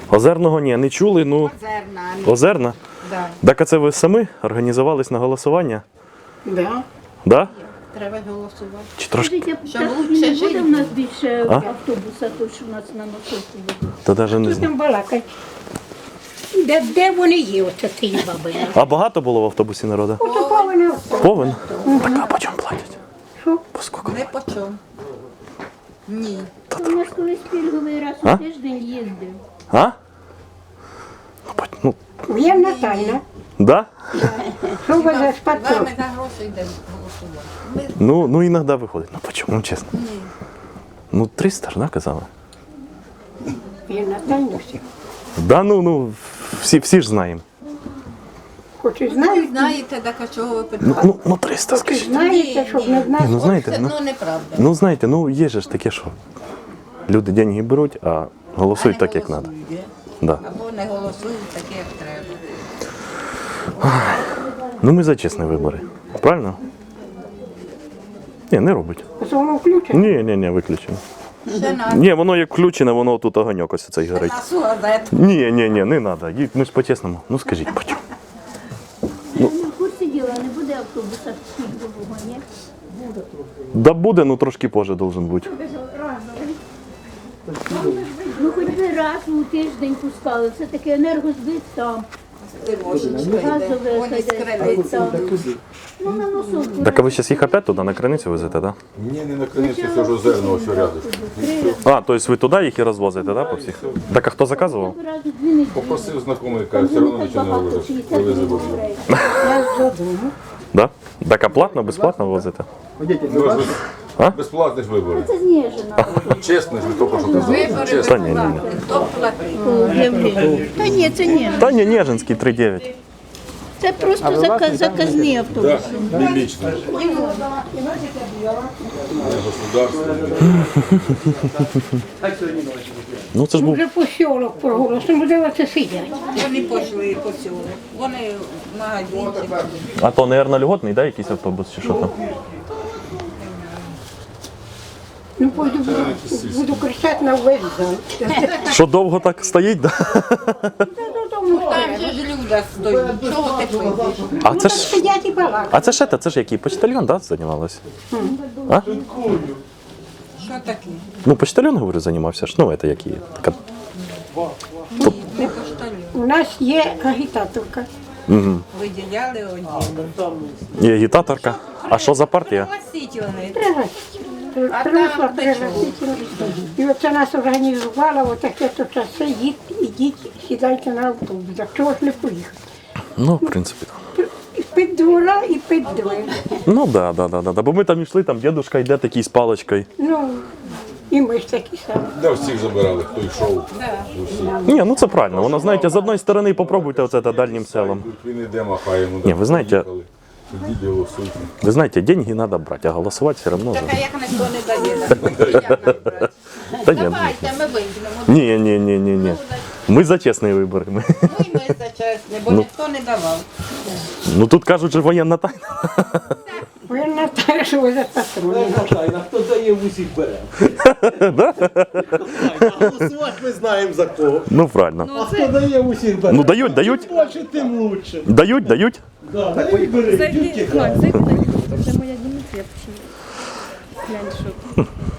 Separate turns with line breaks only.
Озерного ні, не чули, ну...
Озерна.
Озерна?
Да.
Так а це ви самі організувались на голосування?
Да.
Да?
Треба голосувати.
Чи трошки?
Скажіть,
Щоб
так
лучше
не
жити
буде в нас більше
А?
автобуса, то що у нас на носовку буде?
Та навіть не
Тут
знаю.
там балакай. Де вони є, оце ті баби?
А багато було в автобусі народу?
Ото повинно.
Повен? Так, а по чому платять?
Що?
По скільки?
Не по чому. Ні.
У нас колись пільговий раз
А?
у тиждень їздив.
А? Ну,
Я Натальна.
да?
Що ви за спадку?
Ми за гроші йдемо голосувати.
Ну іноді виходить. Ну по чому, чесно? Ну 300 ж, да, казали?
Я Натальна всі.
Да, ну, всі ж знаємо.
Хоч і
Ви
знають,
знаєте, так а чого ви питаєте?
Ну 300,
хоч і
скажіть.
знаєте, щоб не знати.
Ну знаєте,
Це,
ну,
ну, неправда.
ну знаєте, ну є ж таке, що люди деньги беруть, а голосують так, як треба. Да.
Або не голосують так, як треба.
Ну ми за чесні вибори. Правильно? Ні, не робить.
Воно включено.
Ні, виключено.
Ще на,
Ні, воно як включене, воно тут огоньок ось цей горить.
на сугазет.
Ні, не треба. Ми ж по-чесному. Ну скажіть, по чому?
Я не в курсі діла, не буде автобуса пільгового, ні?
Да буде, ну трошки позже должен бути.
Ну хоч би раз у тиждень пускали, все таки енергозбит там. Газове
Вони з
хазяйство
криниці.
там. Ну на носовку.
Так а ви зараз їх опять туди на криницю везете, так? Да?
Ні, не на криниці, це ж озерного, все рядом.
А, тобто ви туди їх і розвозите, да, по всіх? Так а хто заказував?
Раз у 2 неділі.
Попросив знайомий,
Там
каже, все одно
так
нічого не
багато,
робиш.
60
Привези бабу.
людей.
Я з додому.
Да? Так а платно, безплатно возите?
Безплатні ж вибори.
Це знижено.
Чесно ж, ви тільки що казали.
Вибори
Чесно.
Та ні.
Хто платить?
Об'явлення. Та ні, це ні.
Та ні, Нежинський 3,9.
Це просто заказні автобуси.
Не лічно. Не государство.
Ну це ж був.
Вже посілок проголосимо, де це сидять.
Вони пішли по цьому. Вони в магазинчик.
А то, мабуть, льготний, да, якийсь автобус чи що там?
Ну, пойду, буду кричати на весь зал.
Що довго так стоїть, да?
Там же ж люди стоять. Чого ти пишеш?
А це ж.
Сидять і балакають.
А це який? Почтальйон, да, займалась? А?
Що таке?
Ну, почтальйон, говорю, займався ж. Ну, це який? Така...
Не пошталю.
У нас є агітаторка.
Виділяли одні.
Є агітаторка. А що за партія?
Пригласительний.
Принесла пригласительну. І оце нас організувала, отаке то часи, ідіть, сідайте на автобус. Так чого ж не поїхати?
Ну, в принципі, так.
Під двора і під двері.
Ну, да. Бо ми там йшли, там дідусь йде такий з паличкою.
Ну, і ми ж такі самі.
Де всіх забирали, хто йшов.
Ні, ну це правильно. Воно, знаєте, з одної сторони попробуйте оце та дальнім селом.
Тут він іде, махає йому.
Ні, ви знаєте-
Ідіть голосуйте.
Ви знаєте, деньги треба брати, а голосувати все одно.
Так, а як ніхто не дає? Як нам брати?
Та ні,
Давайте, ми вийдемо.
ні. Ми за чесні вибори.
Ну і ми за чесне, бо ніхто не давав.
Ну тут кажуть, що воєнна тайна.
Ви на те, що ви за патрони.
Тайна, хто дає в усіх бере. Голосувати ми знаємо за кого.
Ну правильно.
А хто дає в усіх бере?
Ну дають.
Більше, тим лучше.
Дають.
Да, так вибери, тільки
Зайди на YouTube, це моя Дімітрія. Глянь, що.